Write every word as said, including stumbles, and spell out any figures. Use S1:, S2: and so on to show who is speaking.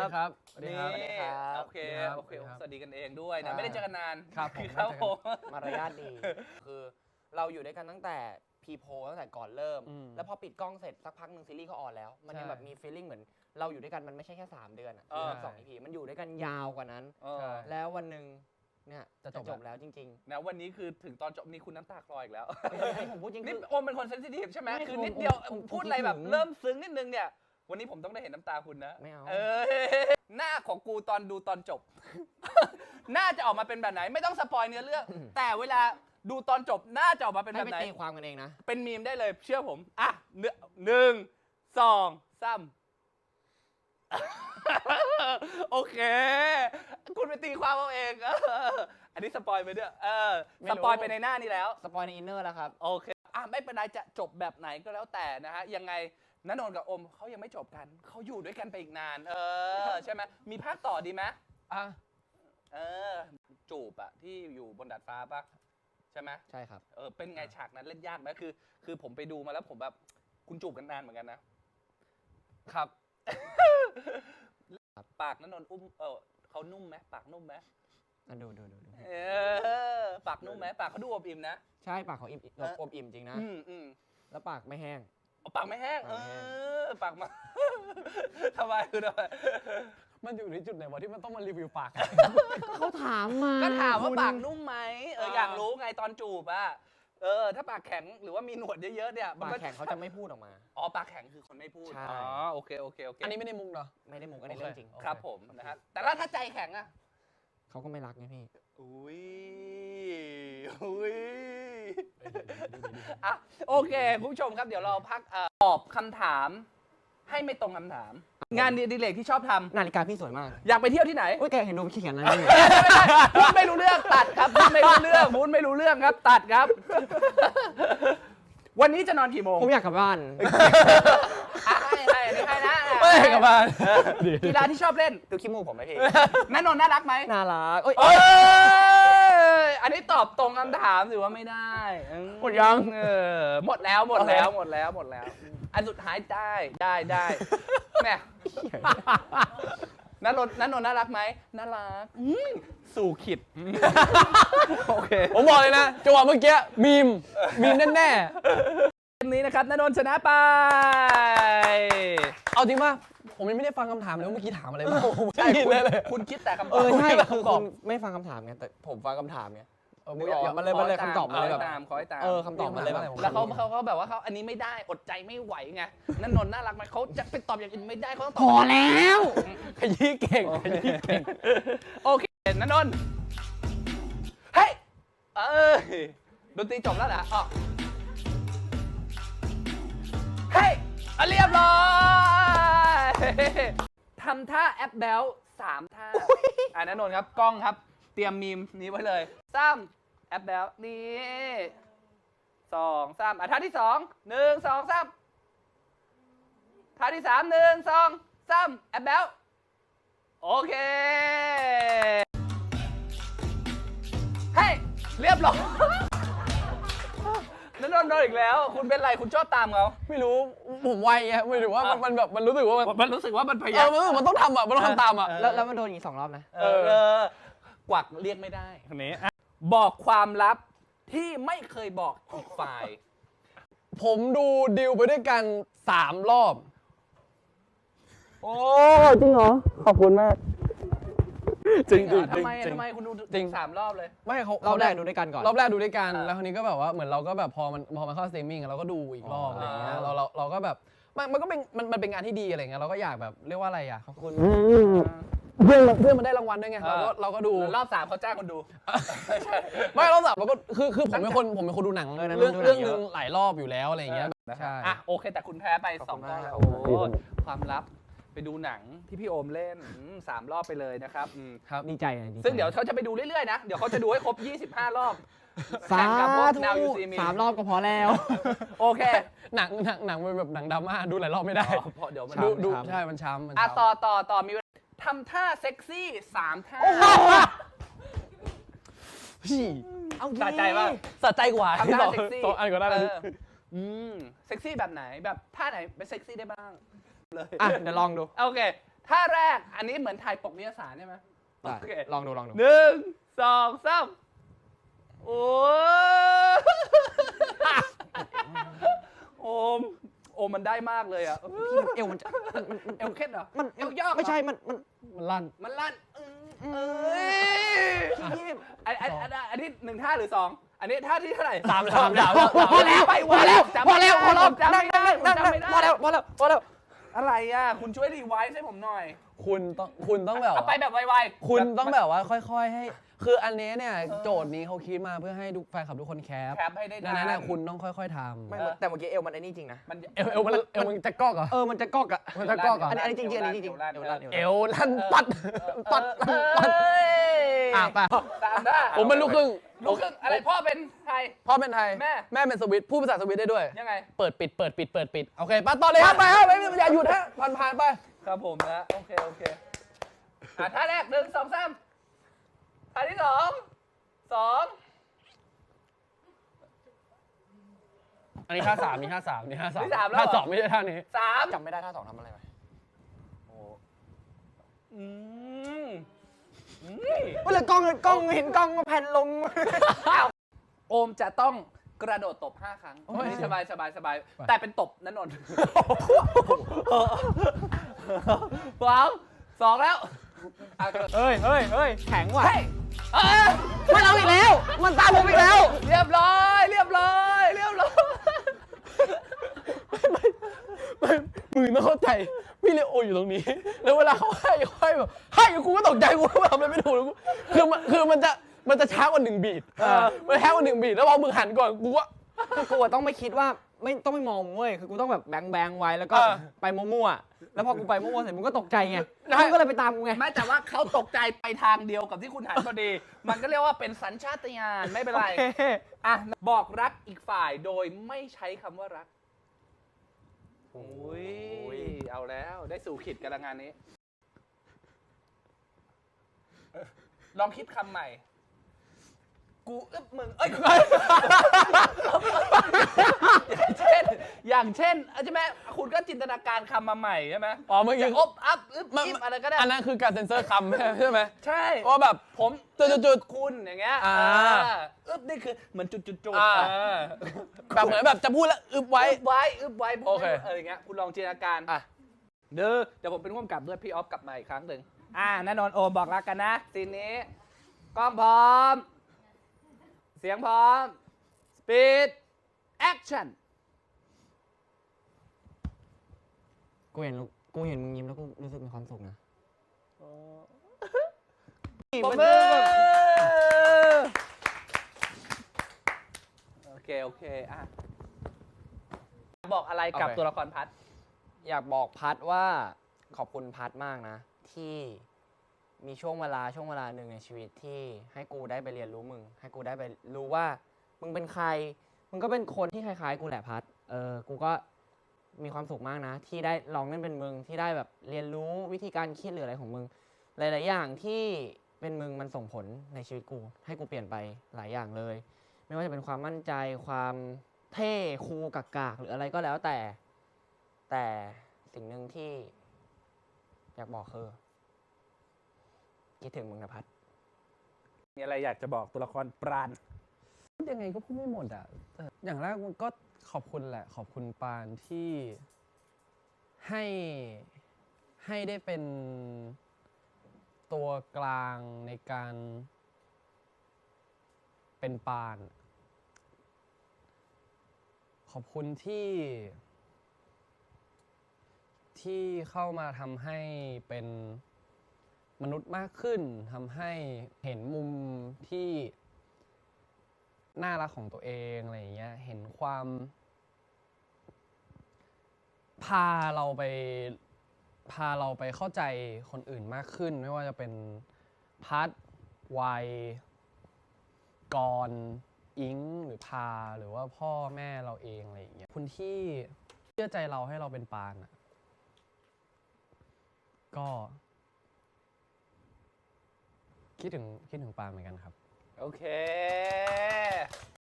S1: ครับ
S2: นี่โอเคโอเคสวัสดีกันเองด้วยนะไม่ได้เจอกันนาน
S1: ครับผม
S2: ครับผม
S3: มารยาทดีคือเราอยู่ด้วยกันตั้งแต่พีโพตั้งแต่ก่อนเริ่ม แล้วพอปิดกล้องเสร็จสักพักหนึ่งซีรีส์เขาออนแล้วมันยังแบบมีฟีลลิ่งเหมือนเราอยู่ด้วยกันมันไม่ใช่แค่สามเดือนอ่ะสอง อี พีมันอยู่ด้วยกันยาวกว่านั้นแล้ววันหนึ่งเนี่ยจะจบแล้วจริง
S2: ๆนะวันนี้คือถึงตอนจบนี่คุณน้ำตาคลออีกแล้ว
S3: นี่ผมพูดจริง
S2: นี่โอมเป็นคนเซนซิทีฟใช่ไหมคือนิดเดียวพูดอะไรแบบเริ่มซึ้งนิดนึงเนี่ยวันนี้ผมต้องได้เห็นน้ำตาคุณนะ
S3: ไม่เอา
S2: เออหน้าของกูตอนดูตอนจบ น่าจะออกมาเป็นแบบไหนไม่ต้องสปอยเนื้อเรื่องแต่เวลาดูตอนจบน่าจะออกมาเป็นแบบไหน
S3: ให้ไปตีความกันเองนะ
S2: เป็นมีมได้เลยเชื่อผมอ่ะหนึ่งสองสามโอเคคุณไปตีความเอาเองอันนี้สปอยไปด้วยเออสปอยไปในหน้านี้แล้ว
S3: สปอยในอินเนอร์แล้วครับ
S2: โอเคอ่ะไม่เป็นไรจะจบแบบไหนก็แล้วแต่นะฮะยังไงณนนท์กับอมเขายังไม่จบกันเขาอยู่ด้วยกันไปอีกนานเออใช่ไหมมีภาคต่อดีไหม
S1: อ่ะ
S2: เออจูบอะที่อยู่บนดาดฟ้าปะใช่ไหม
S3: ใช่ครับ
S2: เออเป็นไงฉากนั้นเล่นยากไหมคือคือผมไปดูมาแล้วผมแบบคุณจูบกันนานเหมือนกันนะครับปากณนนท์อุ้มเออเขานุ่มไหมปากนุ่มไหม
S3: ดูดูดู
S2: เออปากนุ่มไหมปากเขาดูอบอิ่มนะ
S3: ใช่ปากเขาอิ่มอบอิ่มจริงนะ
S2: อืมอืม
S3: แล้วปากไม่แห้ง
S2: ปากไม่แห้งเออปากมาทำไมคือทำไม
S1: มันอยู่ในจุดไหนวะที่มันต้องมารีวิวปาก
S3: เขาถามมา
S2: ก็ถามว่าปากนุ่มไหมเอออยากรู้ไงตอนจูบอะเออถ้าปากแข็งหรือว่ามีหนวดเยอะๆเนี่ย
S3: ปากแข็งเขาจะไม่พูดออกมา
S2: อ๋อปากแข็งคือคนไม่พูดอ๋อโอเคโอเคโอเค
S1: อันนี้ไม่ได้มุกเนาะ
S3: ไม่ได้มุกอันนี้เรื่องจริง
S2: ครับผมนะฮะแต่ถ้าใจแข็งอะ
S3: เขาก็ไม่รักไงพี่
S2: อุ้ยอุ้ยอ่ะโอเคคุณผู้ชมครับเดี๋ยวเราพักตอบคำถามให้ไม่ตรงคำถามงานดิเรกที่ชอบทำ
S3: นาฬิกาพี่สวยมาก
S2: อยากไปเที่ยวที่ไหน
S3: โอ้ยแกเห็นดูเขียนอะไรเนี่ย
S2: พูดไม่รู้เรื่องตัดครับพูดไม่รู้เรื่องพูดไม่รู้เรื่องครับตัดครับวันนี้จะนอนกี่โมง
S3: ผมอยากกลับบ้าน
S2: ให้ให้อันนี้ให้นะ
S1: ไม่กลับบ้าน
S2: กีฬาที่ชอบเล่น
S3: ดูขี้มูกผมไหมพี่
S2: ณนนท์น่ารักไหม
S3: น่ารักเอ้ย
S2: อันนี้ตอบตรงคำถามถือว่าไม่ได้
S3: หมดยัง
S2: เออหมดแล้วหมดแล้วหมดแล้วหมดแล้วอันสุดท้ายได้ได้ได้แม่ณนนท์ณนนท์น่ารักไหมน่ารักสู่ขิดโอเค
S1: ผมบอกเลยนะจังหวะเมื่อกี้มีมมีมแน่
S2: ๆเกมนี้นะครับณนนท์ชนะไป
S1: เอาจริงป่ะผมยังไม่ได้ฟังคำถามเลยว่าเมื่อกี้ถามอะไรบ้าง
S2: ใช่คุณคิดแต่คำตอบ
S3: เออใช่คือคุณไม่ฟังคำถามไงแต่ผมฟังคำถามไงมันเลยมันเลยคำตอบมันเลยแบบ
S2: ขอให้ตาม
S3: เออคำตอบมันเลยแบบ
S2: แล้วเขาเขาเขาแบบว่าเขาอันนี้ไม่ได้อดใจไม่ไหวไงนั่นนนท์น่ารักไหมเขาจะไปตอบอย่างอื่นไม่ได้เขาต้องตอบ
S3: พอแล้ว
S1: ขยี้เก่งขยี้เก่ง
S2: โอเคนั่นนนท์เฮ้ยเออดนตรีจบแล้วเหรออ๋อเฮ้ยเรียบร้อยทำท่าแอปแบลสามท่าอ่านั่นนนท์ครับกล้องครับเตรียมมีมนี้ไว้เลยสามแอปแบลนี่สองสามอ่ะท่าที่สองหนึ่งสองสามท่าที่สามหนึ่งสองสามแอปแบลโอเคเฮ้ยเรียบร้อยนั่นนนท์อีกแล้วคุณเป็นไรคุณชอบตามเขา
S1: ไม่รู้ผมไวไงไม่รู้ว่ามันแบบมันรู้สึกว่า
S2: มันรู้สึกว่ามันพยายาม
S1: เออมันต้องทำอ่ะมันต้องทำตามอ่ะ
S3: แล้วแล้วมันโดนอีกสองรอบนะ
S2: เออกวักเรียกไม่ได้คนนี้บอกความลับที่ไม่เคยบอกอีกฝ่าย
S1: ผมดูดิวไปด้วยกันสามรอบ
S3: โอ้จริงเหรอขอบคุณมาก
S2: จริงจริงทำไมทำไมคุณดูจริงสามรอบเลย
S1: ไม่เขา
S3: รอบแรกดูด้วยกันก่อน
S1: รอบแรกดูด้วยกันแล้วคราวนี้ก็แบบว่าเหมือนเราก็แบบพอมันพอมันเข้าสตรีมมิ่งเราก็ดูอีกรอบอะไรเงี้ยเราเราเราก็แบบมันมันก็เป็นมันมันเป็นงานที่ดีอะไรเงี้ยเราก็อยากแบบเรียกว่าอะไรอ่ะขอบคุณเพื่อนเพื่อนมันได้รางวัลด้วยไงเราก็เราก็ดู
S2: รอบสามเขาจ้างคนดู
S1: ไม่รอบสามเราก็คือคือผมเป็นคนผมเป็นคนดูหนังเรื่องเรื่องนึงหลายรอบอยู่แล้วอะไรเงี้ย
S2: ใช่อ่ะโอเคแต่คุณแพ้ไปสองรอบโอ้ความลับไปดูหนังที่พี่โอมเล่นสามรอบไปเลยนะครับ
S3: ครับดีใจ
S2: ซึ่งเดี๋ยวเขาจะไปดูเรื่อยๆนะเดี๋ยวเขาจะดูให้ครบยี่สิบห้ารอบ
S3: สามสามรอบก็พอแล้ว
S2: โอเค
S1: หนังหนังหนังมันแบบหนังดราม่าดูหลายรอบไม่ได้
S2: เพราะเดี๋ยวมัน
S1: ดูดูใช่มันช้ำ
S2: อ่ะต่อต่อต่อมีทำท่าเซ็กซี่สามท่า
S1: พี่
S2: เอาสะใจป่ะ
S1: สะใจกว่า
S2: ทำท่าเซ็กซี่
S1: อันก็ได้เลย
S2: อืมเซ็กซี่แบบไหนแบบท่าไหนเป็นเซ็กซี่ได้บ้าง
S3: เลยอ่ะเดี๋ยวลองดู
S2: โอเคท่าแรกอันนี้เหมือนถ่ายปกนิตยสารใช่ไหมโอเค
S3: ลองดูลองดู
S2: หนึ่งสองสามโอ้โอมโอมมันได้มากเลยอ่ะ
S3: เอวมันจะมันมัน
S2: เอวเคล็ดเหรอ
S3: มัน
S2: เอวยอกเหรอ
S3: ไม่ใช่มันมัน
S1: มันลั่น
S2: มันลั่นเอ้ยอันอันอันอันนี้หนึ่งท่าหรือสองอันนี้ท่าที่เท่าไหร่
S1: สามสามสาม
S3: พอแล้ว
S2: ไป
S3: พอแล้ว
S2: จำ
S3: พอ
S2: ไม่
S3: แล้ว
S2: ได้
S3: พอแล้ว
S2: จำไม่ได้
S3: นั่งนั่ง
S2: จำไม่ได้
S3: พอแล้วพอแล้วพอแล้ว
S2: อะไรอ่ะคุณช่วยรีไวซ์ให้ผมหน่อย
S1: คุณต้องคุณต้องแบบ
S2: เอาไปแบบไวๆ
S1: คุณต้องแบบว่าค่อยๆให้ คืออันนี้เนี่ยโจทย์นี้เขาคิดมาเพื่อให้ทุกแฟนคลับทุกคนแคป
S2: แคปให้ได้
S1: ดังนั้นเนี่ยคุณต้องค่อยๆท
S3: ไม่
S1: ำ
S3: แต่เมื่อกี้เอวมันไอ้นี่จริงนะ
S2: มัน
S1: เอวเอวมันเอวมันจะกอกเหรอ
S3: เออมันจะกอกอะ
S1: มันจะกอกเหรอ
S3: อันนี้อันนี้จริงๆอันนี้จริงๆ
S2: เอวลั่น
S1: เอวลั่นปัดปัด
S2: เอ
S1: ปัด
S2: ้ย
S1: อ่ะไป
S2: ตามได้
S1: ผมเป็นลูกครึ่ง
S2: ลูกครึ่งอะไรพ่อเป็นไทย
S1: พ่อเป็นไทย
S2: แม่
S1: แม่เป็นสวิตพูดภาษาสวิตได้ด้วย
S2: ยังไง
S1: เปิดปิดเปิดปิดเปิดปิดโอเคไปต่อเลยครับไปครับไม่อย่าหยุดฮะผ่านผ่านไป
S2: ครับผมนะโอเคโอเคอ่ะท่าแรกหนึ่งสองสามท่าที่สองสอง
S1: อันนี้ท่าสามนี่ท่าสามนี่ท่าสาม
S2: นี่สามแล้วเหรอ
S1: ท่าสองไม่ใช่ท่านี้
S2: สาม
S3: จำไม่ได้ท่าสองทำอะไรไป
S2: อืมอืม
S3: เวลากล้องกล้องเห็นกล้องมาแผ่นลง
S2: โอมจะต้องกระโดดตบห้าครั้ง
S1: โอ้ย
S2: สบายสบายสบาย
S1: ไป
S2: แต่เป็นตบนันนนท์สองสองแล้วอ่ะ
S3: เฮ้ยเฮ้ยเฮ้ยแข็งว่ะ
S2: เฮ้ยเอ้ย
S3: มันเอาอีกแล้ว มันตามผมอีกแล้ว
S2: เรียบร้อยเรียบร้อยเรียบร้อย
S1: มึงต้องเข้าใจพี่เลโออยู่ตรงนี้ แล้วเวลาเขาให้เขาให้แบบให้กูก็ตกใจกูก็ทำอะไรไม่ถูกเลยกูคือมันคือมันจะมันจะช้ากว่าหนึ่งบีทมันช้ากว่าหนึ่งบีทแล้วพอมึงหันก่อนกูก็
S3: คือกูอะต้องไม่คิดว่าไม่ต้องไม่มองเว้ย คือกูต้องแบบแบงแบงไว้แล้วก็
S2: เออ
S3: ไปมั่วๆ แล้วพอกูไปมั่วๆเสร็จมึงก็ตกใจไงมึงก็เลยไปตามกูไง
S2: ไม่แต่ว่าเขาตกใจไปทางเดียวกับที่คุณหันพอดี มันก็เรียกว่าเป็นสัญชาตญาณไม่เป็นไร
S3: โอเค
S2: อ่ะบอกรักอีกฝ่ายโดยไม่ใช้คำว่ารักโอ้ยเอาแล้วได้สู่ขิดกันละงานนี้ ลองคิดคำใหม่ กูอึบมึง เอ้ย อย่างเช่น อย่างเช่นใช่ไหมคุณก็จินตนาการคำมาใหม่ใช่ไหม
S1: อ๋อเมื่อกี้
S2: จะอบอัพอึบอิบอะไรก็ได้
S1: อันนั้นคือการเซ็นเซอร์คำใช่ไหม
S2: ใช่
S1: ว่าแบบ
S2: ผม
S1: จุดจุด
S2: คุณอย่างเงี้ย
S1: อ่า
S2: อึบนี่คือเหมือนจุดจุดจุด
S1: อ่า แบบเหมือนแบบจะพูดแล้วอึบไว้
S2: อึบไว้อึบไว้
S1: โอเค
S2: เอออย่างเงี้ยคุณลองจินตนาการอ่ะเด้อเดี๋ยวผมเป็นร่วมกับด้วยพี่ออฟกลับมาอีกครั้งหนึ่งอ่าแน่นอนโอมบอกรักกันนะซีนนี้กล้องพร้อม เสียงพร้อม สปีด แอคชั่น
S3: กูเห็นกูเห็นมึงยิ้มแล้วกูรู้สึกมีความสุขนะ
S2: ปรบมือโอเค โอเค อ่ะ บอกอะไรกับ
S1: โอเค
S2: ตัวละครพัด
S3: อยากบอกพัดว่าขอบคุณพัดมากนะ ที่มีช่วงเวลาช่วงเวลาหนึ่งในชีวิตที่ให้กูได้ไปเรียนรู้มึง ให้กูได้ไปรู้ว่ามึงเป็นใคร มึงก็เป็นคนที่คล้ายๆ กูแหละพัด เออ กูก็มีความสุขมากนะ ที่ได้ลองเล่นเป็นมึงที่ได้แบบเรียนรู้วิธีการคิดหรืออะไรของมึง หลายๆอย่างที่เป็นมึงมันส่งผลในชีวิตกู ให้กูเปลี่ยนไปหลายอย่างเลย ไม่ว่าจะเป็นความมั่นใจความเท่คูลกากๆหรืออะไรก็แล้วแต่ แต่สิ่งหนึ่งที่อยากบอกคือคิดถึงมึงนะพัด
S2: มีอะไรอยากจะบอกตัวละครปราณ
S1: ยังไงก็พูดไม่หมดอ่ะแต่อย่างแรกมันก็ขอบคุณแหละ ขอบคุณปานที่ให้ให้ได้เป็นตัวกลางในการเป็นปาน ขอบคุณที่ ที่เข้ามาทำให้เป็นมนุษย์มากขึ้นทำให้เห็นมุมที่น่ารักของตัวเองอะไรอย่างเงี้ยเห็นความ พาเราไปพาเราไปเข้าใจคนอื่นมากขึ้น ไม่ว่าจะเป็นพัดวัยกรอิงหรือพาหรือว่าพ่อแม่เราเองอะไรอย่างเงี้ยคุณที่เชื่อใจเราให้เราเป็นปานอ่ะก็คิดถึงคิดถึงปานเหมือนกันครับ
S2: โอเค